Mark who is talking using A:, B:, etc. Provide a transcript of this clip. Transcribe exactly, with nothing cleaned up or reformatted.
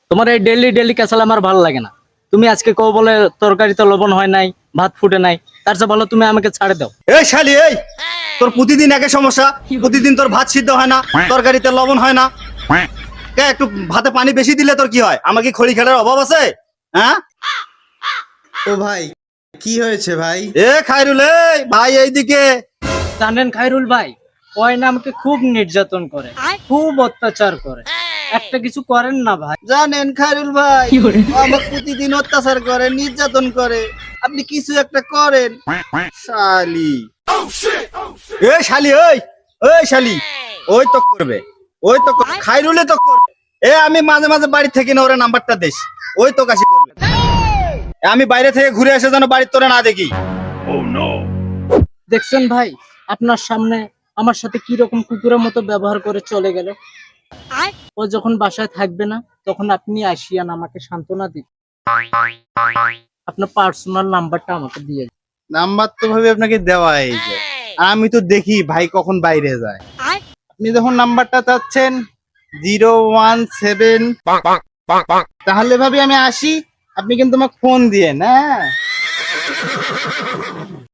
A: তোমার এই daily daily ক্যাসাল আমার ভালো লাগে না। তুমি আজকে কও বলে তরকারিতে লবণ হয় নাই, ভাত ফুটে নাই, তার চেয়ে ভালো তুমি আমাকে ছাড়ে দাও।
B: এই শালি এই, তোর প্রতিদিন একই সমস্যা। প্রতিদিন তোর ভাত সিদ্ধ হয় না, তরকারিতে লবণ হয় না। কে একটু ভাতে পানি বেশি দিলে তোর কি হয়? আমার কি খড়ি খেলার অভাব আছে? হ্যাঁ
C: ও ভাই, কি হয়েছে ভাই?
B: এ খায়রুল, এই ভাই এইদিকে।
A: জানেন খায়রুল ভাই, ওই না আমাকে খুব নির্যাতন করে, খুব অত্যাচার করে। একটা কিছু করেন না ভাই।
B: জানেন খায়রুল ভাই, আমার প্রতিদিন অত্যাচার করে, নির্যাতন করে। আপনি কিছু একটা করেন। শালি এ শালি ওই, ওই শালি ওই তো করবে, ওই তো করবে। খায়রুলে তো করবে। এ আমি মাঝে মাঝে বাড়ি থেকে না ওরে নাম্বারটা দেশ, ওই তো কাশি করবে। আমি বাইরে থেকে ঘুরে এসে যেন বাড়ির তোরে না দেখি।
A: দেখছেন ভাই, আপনার সামনে আমার সাথে কি রকম কুকুরের মতো ব্যবহার করে চলে গেল। ও যখন বাসায় থাকবে না, তখন আপনি আসিয়ান আমাকে সান্ত্বনা দিন। আপনার পার্সোনাল নাম্বারটা আমাকে দিয়ে দিন।
C: নাম্বার তো ভাবে আপনাকে দেওয়া এই যে, আমি তো দেখি ভাই কখন বাইরে যায়। আপনি যখন নাম্বারটা চাচ্ছেন জিরো ওয়ান সেভেন, তাহলে ভাবি আমি আসি, আপনি কিন্তু আমাকে ফোন দিয়ে না।